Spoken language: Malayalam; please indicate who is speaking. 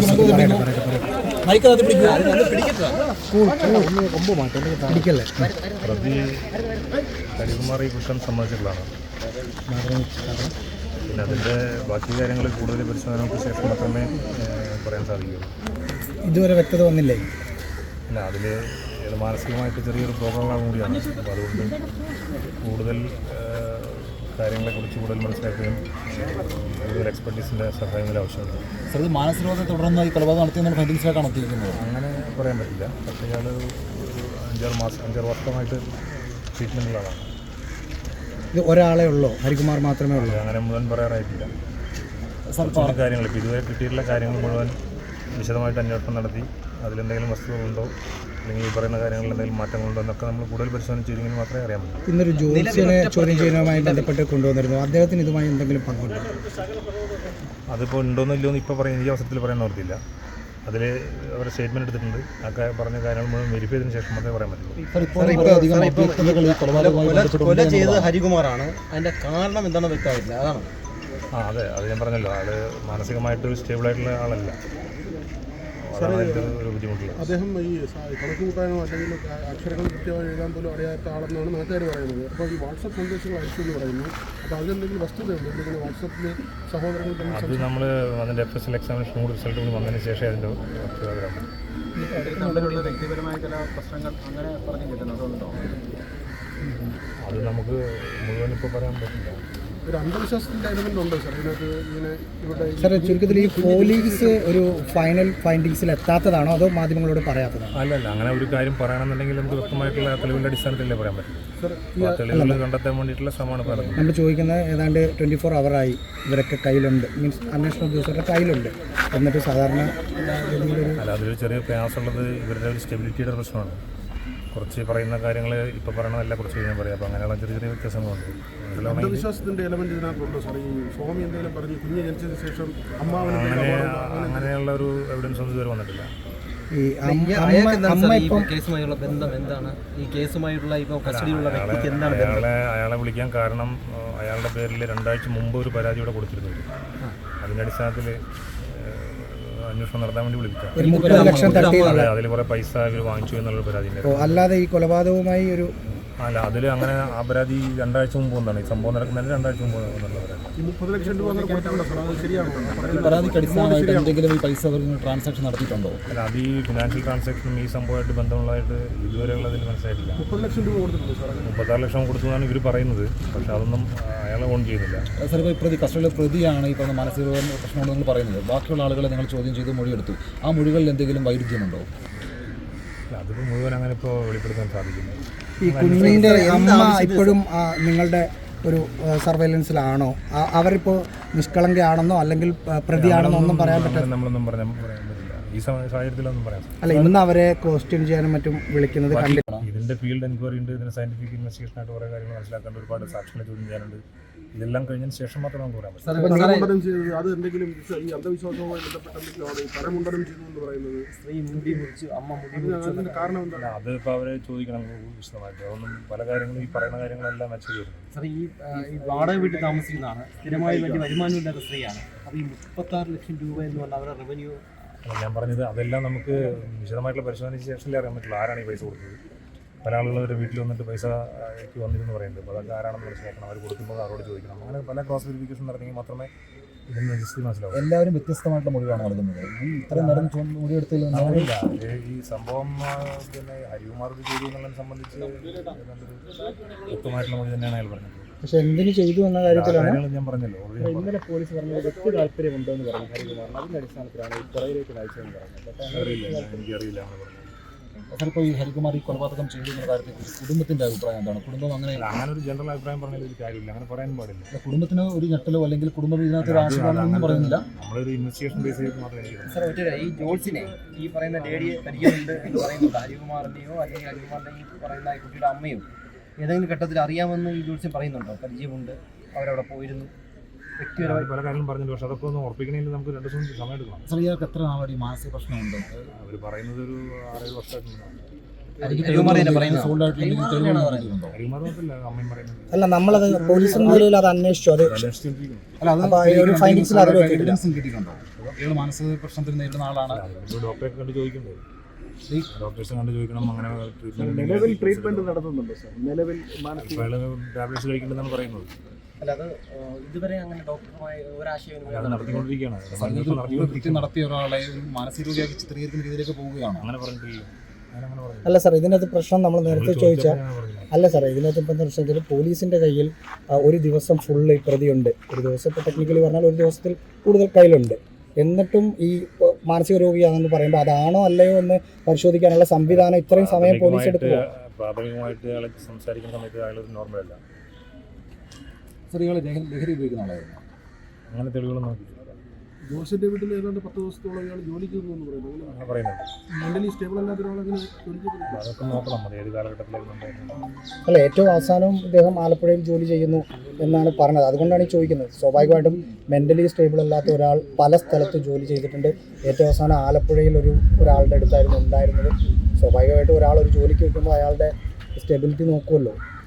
Speaker 1: പ്രതി ഹരികുമാർ ഈ കുറ്റം സമ്മതിച്ചിട്ടുള്ളതാണ്. പിന്നെ അതിൻ്റെ ബാക്കി കാര്യങ്ങൾ കൂടുതൽ പരിശോധനകൾക്ക് ശേഷം മാത്രമേ പറയാൻ സാധിക്കുകയുള്ളൂ.
Speaker 2: ഇതുവരെ വ്യക്തത വന്നില്ലേ?
Speaker 1: ഇല്ല, അതിൽ മാനസികമായിട്ട് ചെറിയൊരു പ്രോബ്ലങ്ങളാണ് കൂടിയാണ്. അപ്പോൾ അതുകൊണ്ട് കൂടുതൽ കാര്യങ്ങളെക്കുറിച്ച് കൂടുതൽ മനസ്സിലാക്കുകയും കൂടുതൽ എക്സ്പെർട്ടീസിൻ്റെ സഹായം ആവശ്യമുണ്ട്.
Speaker 2: സാർ, ഇത് മാനസികരോധത്തെ തുടർന്ന് ഈ കൊലപാതകം നടത്തിയെന്നുള്ള ഫൈൻഡിങ്സിലേക്കാണ് എത്തിയിരിക്കുന്നത്.
Speaker 1: അങ്ങനെ പറയാൻ പറ്റില്ല. പക്ഷേ ഇയാൾ ഒരു 5-6 വർഷമായിട്ട് ട്രീറ്റ്മെൻറ്റിലാണ്.
Speaker 2: ഇത് ഒരാളെ ഉള്ളൂ, ഹരികുമാർ മാത്രമേ ഉള്ളൂ?
Speaker 1: അങ്ങനെ മുഴുവൻ പറയാറായിട്ടില്ല. കുറച്ചുകൂടി കാര്യങ്ങൾ ഇപ്പോൾ ഇതുവരെ കിട്ടിയിട്ടുള്ള കാര്യങ്ങൾ മുഴുവൻ വിശദമായിട്ട് അന്വേഷണം നടത്തി അതിലെന്തെങ്കിലും വസ്തുതകളുണ്ടോ അല്ലെങ്കിൽ ഈ പറയുന്ന കാര്യങ്ങളിൽ എന്തെങ്കിലും മാറ്റങ്ങളുണ്ടോ എന്നൊക്കെ നമ്മൾ കൂടുതൽ പരിശോധന ചെയ്തെങ്കിൽ മാത്രമേ അറിയാൻ പറ്റൂ.
Speaker 2: ഇന്നൊരു ജോത്സ്യനെ ചോദ്യം ചെയ്യുന്നതുമായി ബന്ധപ്പെട്ട് കൊണ്ടുവന്നിരുന്നു. അദ്ദേഹത്തിന് ഇതുമായി എന്തെങ്കിലും പങ്കുണ്ടോ?
Speaker 1: അതിപ്പോൾ ഉണ്ടോന്നോ ഇല്ലയോ എന്ന് ഇപ്പോൾ പറയാൻ ഈ അവസരത്തിൽ പറയാൻ ഓർത്തില്ല. അതിൽ അവർ സ്റ്റേറ്റ്മെൻറ്റ് എടുത്തിട്ടുണ്ട്. ആ പറഞ്ഞ കാര്യങ്ങൾ മുഴുവൻ വെരിഫൈ ചെയ്തതിന് ശേഷം മാത്രമേ പറയാൻ പറ്റുള്ളൂ.
Speaker 3: കൊല ചെയ്തത് ഹരികുമാറാണ്. അതിൻ്റെ കാരണം എന്താണെന്ന് വ്യക്തമായിട്ടില്ല. അതാണ്.
Speaker 1: അതെ, അത് ഞാൻ പറഞ്ഞല്ലോ. ആൾ മാനസികമായിട്ട് സ്റ്റേബിളായിട്ടുള്ള ആളല്ല. ഒരു ബുദ്ധിമുട്ടില്ല.
Speaker 4: അദ്ദേഹം ഈ കണക്ക് കൂട്ടാനോ അല്ലെങ്കിൽ അക്ഷരങ്ങൾ കൃത്യമായി എഴുതാൻ പോലും അറിയാത്ത ആളെന്നാണ് നാട്ടുകാർ പറയുന്നത്. അപ്പോൾ ഈ വാട്സപ്പ് സന്ദേശങ്ങൾ അയച്ചു എന്ന് പറയുന്നു. അപ്പോൾ അതിലെന്തെങ്കിലും വസ്തുതയുണ്ട്? എന്തെങ്കിലും വാട്സപ്പിൽ സഹോദരങ്ങൾ
Speaker 1: അത് നമ്മൾ അതിൻ്റെ FSL എക്സാമിനേഷൻ കൂടി റിസൾട്ട് കൂടി വന്നതിന് ശേഷം അതിൻ്റെ
Speaker 3: വ്യക്തിപരമായ ചില പ്രശ്നങ്ങൾ അങ്ങനെ പറഞ്ഞു കിട്ടുന്നുണ്ടോ?
Speaker 1: അത് നമുക്ക് മുഴുവൻ ഇപ്പോൾ പറയാൻ പറ്റില്ല.
Speaker 4: ഒരു അന്ധവിശ്വാസത്തിൻ്റെ എലമെൻ്റ് ഉണ്ടോ സാർ ഇതിനകത്ത്? ഇങ്ങനെ ഇവിടെ
Speaker 2: സാർ, ചുരുക്കത്തിൽ ഈ പോലീസ് ഒരു ഫൈനൽ ഫൈൻഡിങ്സിൽ എത്താത്തതാണോ അതോ മാധ്യമങ്ങളോട് പറയാത്തതാണോ?
Speaker 1: അല്ലല്ല, അങ്ങനെ ഒരു കാര്യം പറയണമെന്നുണ്ടെങ്കിൽ നമുക്ക് വ്യക്തമായിട്ടുള്ള തെളിവിൻ്റെ അടിസ്ഥാനത്തിലേ പറയാൻ പറ്റും. തെളിവുകൾ കണ്ടെത്താൻ വേണ്ടിയിട്ടുള്ള ശ്രമമാണ് പറയുന്നത്.
Speaker 2: നമ്മൾ ചോദിക്കുന്നത് ഏതാണ്ട് 24 hours ഇവരൊക്കെ കയ്യിലുണ്ട്, മീൻസ് അന്വേഷണ ഉദ്യോഗസ്ഥരുടെ കയ്യിലുണ്ട്, എന്നിട്ട് സാധാരണ
Speaker 1: അല്ല, അതിലൊരു ചെറിയ പ്രയാസമുള്ളത് ഇവരുടെ ഒരു സ്റ്റെബിലിറ്റിയുടെ പ്രശ്നമാണ്. കുറച്ച് പറയുന്ന കാര്യങ്ങൾ ഇപ്പോൾ പറയണതല്ല, കുറച്ച് കഴിഞ്ഞാൽ പറയാം. അപ്പോൾ അങ്ങനെയുള്ള ചെറിയ ചെറിയ വ്യത്യാസങ്ങളുണ്ട്.
Speaker 4: അന്ധവിശ്വാസത്തിന്റെ എലമെന്റ് ഇതിനകത്തുണ്ടോ സാർ? ഈ സ്വാമി എന്തെങ്കിലും പറഞ്ഞ് കുഞ്ഞ് ജനിച്ചതിന് ശേഷം
Speaker 1: അങ്ങനെയുള്ള ഒരു എവിഡൻസ് ഒന്നും ഇതുവരെ വന്നിട്ടില്ല.
Speaker 3: കേസുമായുള്ള ബന്ധം എന്താണ്? ഈ കേസുമായിട്ടുള്ള ഇപ്പോൾ കസ്റ്റഡിയിലുള്ള വ്യക്തിക്ക് എന്താണ്
Speaker 1: അയാളെ വിളിക്കാൻ കാരണം അയാളുടെ പേരിൽ 2 ആഴ്ച മുമ്പ് ഒരു പരാതി ഇവിടെ കൊടുത്തിരുന്നുണ്ട്. അതിൻ്റെ അടിസ്ഥാനത്തിൽ അന്വേഷണം നടത്താൻ വേണ്ടി വിളിക്കാം.
Speaker 2: 30 ലക്ഷം
Speaker 1: അതിൽ കുറേ പൈസ ഇവർ വാങ്ങിച്ചു എന്നുള്ളൊരു പരാതി.
Speaker 2: അല്ലാതെ ഈ കൊലപാതകവുമായി ഒരു
Speaker 1: അല്ല, അതിൽ അങ്ങനെ ആ പരാതി 2 ആഴ്ച മുമ്പ് വന്നാണ്. ഈ സംഭവം നടക്കുന്നതിന് 2 ആഴ്ച മുമ്പ് വന്നുള്ള പരാതി.
Speaker 4: 30 ലക്ഷം രൂപ
Speaker 2: പരാതിക്ക് അടിസ്ഥാനമായിട്ട് എന്തെങ്കിലും ഈ പൈസ ട്രാൻസാക്ഷൻ നടത്തിയിട്ടുണ്ടോ?
Speaker 1: അല്ല, അത് ഈ ഫിനാൻഷ്യൽ ട്രാൻസാക്ഷനും ഈ സംഭവമായിട്ട് ബന്ധമുള്ളതായിട്ട് ഇതുവരെയുള്ളതിൽ മനസ്സിലായിട്ടില്ല.
Speaker 4: 30 ലക്ഷം രൂപ കൊടുത്തിട്ടുണ്ട് സാർ.
Speaker 1: 36 ലക്ഷം കൊടുത്തു എന്നാണ് ഇവർ പറയുന്നത്. പക്ഷേ അതൊന്നും അയാളെ ഓൺ ചെയ്യുന്നില്ല.
Speaker 2: സാർ, ഇപ്പോൾ കസ്റ്റഡിയിലെ പ്രതിയാണ് ഈ പറഞ്ഞ മാനസിക പ്രശ്നമുണ്ടെന്ന് നിങ്ങൾ പറയുന്നത്. ബാക്കിയുള്ള ആളുകളെ നിങ്ങൾ ചോദ്യം ചെയ്ത് മൊഴിയെടുത്തു. ആ മൊഴികളിൽ എന്തെങ്കിലും വൈരുദ്ധ്യമുണ്ടോ?
Speaker 1: അതിപ്പോൾ മുഴുവൻ അങ്ങനെ ഇപ്പോൾ വെളിപ്പെടുത്താൻ സാധിക്കില്ല.
Speaker 2: ഈ കുഞ്ഞിൻ്റെ അമ്മ ഇപ്പോഴും നിങ്ങളുടെ ഒരു സർവൈലൻസിലാണോ? അവരിപ്പോൾ നിഷ്കളങ്കയാണെന്നോ അല്ലെങ്കിൽ പ്രതിയാണെന്നോ ഒന്നും പറയാൻ പറ്റില്ല.
Speaker 1: നമ്മളൊന്നും പറയാൻ പറ്റില്ല ഈ സാഹചര്യത്തിലൊന്നും പറയാം.
Speaker 2: അല്ല, ഇന്ന് അവരെ ക്വസ്റ്റ്യൻ ചെയ്യാനും മറ്റും വിളിക്കുന്നത് കണ്ടിട്ടാണ്.
Speaker 1: ഇതിൻ്റെ ഫീൽഡ് എൻക്വയറി ഉണ്ട്, ഇതിന് സയന്റിഫിക് ഇൻവെസ്റ്റിഗേഷനായിട്ട് കുറേ കാര്യങ്ങൾ മനസ്സിലാക്കേണ്ട, ഒരുപാട് സാക്ഷികളെ ചോദ്യം ചെയ്യാനുണ്ട്. ഇതെല്ലാം കഴിഞ്ഞതിന് ശേഷം മാത്രമേ നമുക്ക് പറയാൻ പറ്റും.
Speaker 4: അത് എന്തെങ്കിലും ഈ അന്ധവിശ്വാസവുമായി ബന്ധപ്പെട്ട കരമുണ്ടനം ചെയ്തു എന്ന് പറയുന്നത്
Speaker 3: സ്ത്രീ മുടി മുറിച്ച് അമ്മ
Speaker 4: അതിന്റെ കാരണം എന്താണ്?
Speaker 1: അത് ഇപ്പോൾ അവരെ ചോദിക്കണം വിശദമായിട്ട്. അതൊന്നും പല കാര്യങ്ങളും ഈ പറയുന്ന കാര്യങ്ങളെല്ലാം മെച്ചം ചെയ്തു.
Speaker 3: സാർ, ഈ വാടക വീട്ടിൽ താമസിക്കുന്നതാണ്, സ്ഥിരമായി വേണ്ടി വരുമാനമില്ലാത്ത സ്ത്രീയാണ്. അപ്പോൾ ഈ 36 ലക്ഷം രൂപ എന്ന് പറഞ്ഞാൽ അവരുടെ റവന്യൂ.
Speaker 1: ഞാൻ പറഞ്ഞത് അതെല്ലാം നമുക്ക് വിശദമായിട്ടുള്ള പരിശോധനയ്ക്ക് ശേഷമല്ലേ അറിയാൻ പറ്റുള്ളൂ ആരാണ് ഈ പൈസ കൊടുത്തത്. പല ആളുകൾ അവരുടെ വീട്ടിൽ വന്നിട്ട് പൈസ വന്നിരുന്നു പറയുന്നുണ്ട്. അപ്പോൾ അതൊക്കെ ആരാണെന്ന് മനസ്സിലാക്കണം. അവർ കൊടുക്കുമ്പോൾ അവരോട് ചോദിക്കണം. അങ്ങനെ പല ക്രോസ് വെരിഫിക്കേഷൻ നടത്തിയെങ്കിൽ മാത്രമേ ഇതിന് രജിസ്റ്റർ മനസ്സിലാവും.
Speaker 2: എല്ലാവരും വ്യത്യസ്തമായിട്ടുള്ള മൊഴിയാണ് നൽകുന്നത്. ഈ ഇത്രയും നേരം മൊഴിയെടുത്തതിൽ
Speaker 1: അങ്ങനെയില്ല. ഈ സംഭവം പിന്നെ ഹരികുമാർ ചെയ്തു എന്നുള്ളതിനെ സംബന്ധിച്ച് വ്യക്തമായിട്ടുള്ള മൊഴി തന്നെയാണ് അയാൾ പറഞ്ഞത്.
Speaker 2: പക്ഷെ എന്തിനു ചെയ്തു എന്ന കാര്യത്തിലാണ്
Speaker 1: ഞാൻ പറഞ്ഞല്ലോ.
Speaker 4: ഇന്നലെ പോലീസ് പറഞ്ഞത് വ്യക്തി താല്പര്യമുണ്ടോ എന്ന് പറഞ്ഞു ഹരികുമാറിന്. അതിന്റെ അടിസ്ഥാനത്തിലാണ് ഈ പുറകിലേക്ക് അയച്ചതെന്ന് പറഞ്ഞത്.
Speaker 1: എനിക്കറിയില്ല.
Speaker 2: ചിലപ്പോൾ ഈ ഹരികുമാർ ഈ കൊലപാതകം ചെയ്തു എന്ന കാര്യത്തിൽ കുടുംബത്തിന്റെ അഭിപ്രായം എന്താണ്? കുടുംബം അങ്ങനെ
Speaker 1: ഒരു ജനറൽ അഭിപ്രായം പറഞ്ഞാൽ ഒരു കാര്യമില്ല, അങ്ങനെ പറയാൻ പാടില്ല.
Speaker 2: കുടുംബത്തിന് ഒരു ഞെട്ടലോ അല്ലെങ്കിൽ കുടുംബം ഇതിനകത്ത് ആശയമാണെന്നൊന്നും പറയുന്നില്ല.
Speaker 1: നമ്മളൊരു ഇൻവെസ്റ്റിഗേഷൻ ബേസ് ചെയ്ത് മാത്രമേ.
Speaker 3: സാർ, ഈ ജോൾസിനെ ഈ പറയുന്ന ലേഡിയെ പരിചയമുണ്ട് എന്ന് പറയുന്നുണ്ട്. ഹരികുമാറിന്റെയോ അല്ലെങ്കിൽ ഹരികുമാറിന്റെ ഈ പറയുന്ന കുട്ടിയുടെ അമ്മയോ ഏതെങ്കിലും ഘട്ടത്തിൽ അറിയാമെന്ന് ഈ ജോൾസ്യൻ പറയുന്നുണ്ടോ? പരിചയമുണ്ട്, അവരവിടെ പോയിരുന്നു, വ്യക്തിപരമായി
Speaker 1: പല കാര്യങ്ങളും പറഞ്ഞിട്ടുണ്ട്. പക്ഷെ അതൊക്കെ ഒന്ന് ഉറപ്പിക്കണമെങ്കിൽ നമുക്ക് 2 ദിവസം സമയം എടുക്കണം.
Speaker 2: സ്ത്രീകൾക്ക് എത്ര നാളെ മാനസിക പ്രശ്നമുണ്ട്?
Speaker 1: അവർ പറയുന്നത് ഒരു 6-7 വർഷമായിട്ടുണ്ടാകും.
Speaker 3: അരുകുമാർ തന്നെ പറയുന്നത്
Speaker 1: അരിമാർ മാത്രമല്ല അമ്മയും പറയുന്നത്.
Speaker 2: അല്ല നമ്മളത് പോലീസിന്റെ നിലയിൽ അത് അന്വേഷിച്ചു. അത്
Speaker 1: അന്വേഷിച്ചുകൊണ്ടിരിക്കുന്നു.
Speaker 2: അപ്പൊ ഒരു ഫൈൻഡിങ്സിൽ അത് വെച്ചിട്ടില്ല.
Speaker 5: കിട്ടിയിട്ടുണ്ടോ? ഇയാൾ മാനസിക പ്രശ്നത്തിന് നേരിടുന്ന ആളാണ്.
Speaker 1: ഡോക്ടറെ കണ്ട് ചോദിക്കണ്ടേ, ഡോക്ടേഴ്സിനെ കണ്ട് ചോദിക്കണം. അങ്ങനെ
Speaker 4: നിലവിൽ ട്രീറ്റ്മെന്റ് നടത്തുന്നുണ്ടോ സാർ? നിലവിൽ
Speaker 1: ടാബ്ലറ്റ്സ് കഴിക്കേണ്ടതെന്നാണ് പറയുന്നത്.
Speaker 3: അല്ല അത് ഇതുവരെ അങ്ങനെ ഡോക്ടറുമായി ഒരാശയം
Speaker 1: അത് നടത്തിക്കൊണ്ടിരിക്കുകയാണ്.
Speaker 5: കൃത്യം നടത്തിയ ഒരാളെ ഒരു മാനസിക രോഗിയാക്കി ചിത്രീകരിക്കുന്ന രീതിയിലേക്ക് പോവുകയാണ്.
Speaker 1: അങ്ങനെ പറഞ്ഞിട്ടില്ല. അങ്ങനെ പറഞ്ഞു.
Speaker 2: അല്ല സാർ, ഇതിനകത്ത് പ്രശ്നം നമ്മൾ നേരത്തെ ചോദിച്ച അല്ല സാർ, ഇതിനകത്ത് ഇപ്പം പ്രശ്നം വെച്ചാൽ പോലീസിൻ്റെ കയ്യിൽ ഒരു ദിവസം ഫുള്ള് പ്രതിയുണ്ട്. ഒരു ദിവസം ഇപ്പോൾ ടെക്നിക്കലി പറഞ്ഞാൽ ഒരു ദിവസത്തിൽ കൂടുതൽ കയ്യിലുണ്ട്. എന്നിട്ടും ഈ മാനസിക രോഗിയാണെന്ന് പറയുമ്പോൾ അതാണോ അല്ലയോ എന്ന് പരിശോധിക്കാനുള്ള സംവിധാനം ഇത്രയും സമയം പോലീസ് എടുക്കുക.
Speaker 1: പ്രാഥമികമായിട്ട് അയാളെ സംസാരിക്കുന്ന സമയത്ത് അയാൾ നോർമലല്ല.
Speaker 5: സ്ത്രീകൾ ലഹരി ഉപയോഗിക്കുന്ന ആളായിരുന്നു.
Speaker 1: അങ്ങനെ തെളിവുകൾ നോക്കിയിട്ടില്ല.
Speaker 4: ജോസിന്റെ വീട്ടിൽ ഏതാണ്ട് 10 ദിവസത്തോളം ഇയാൾ ജോലിക്ക് പോകുന്നു പറയുന്നു.
Speaker 1: അങ്ങനെ പറയുന്നുണ്ട്.
Speaker 4: മെന്റലി സ്റ്റേബിൾ അല്ലാത്ത ഒരാളെങ്ങനെ ജോലിക്ക് പോകുന്നു?
Speaker 1: അതൊക്കെ നോക്കണം. അത് ഏത് കാലഘട്ടത്തിലായിരുന്നു ഉണ്ടായിരുന്നത്.
Speaker 2: അല്ല, ഏറ്റവും അവസാനം ഇദ്ദേഹം ആലപ്പുഴയിൽ ജോലി ചെയ്യുന്നു എന്നാണ് പറഞ്ഞത്. അതുകൊണ്ടാണ് ഈ ചോദിക്കുന്നത്. സ്വാഭാവികമായിട്ടും മെൻ്റലി സ്റ്റേബിൾ അല്ലാത്ത ഒരാൾ പല സ്ഥലത്ത് ജോലി ചെയ്തിട്ടുണ്ട്. ഏറ്റവും അവസാനം ആലപ്പുഴയിൽ ഒരാളുടെ അടുത്തായിരുന്നു ഉണ്ടായിരുന്നത്. സ്വാഭാവികമായിട്ടും ഒരാൾ ഒരു ജോലിക്ക് വയ്ക്കുമ്പോൾ അയാളുടെ സ്റ്റെബിലിറ്റി നോക്കുമല്ലോ.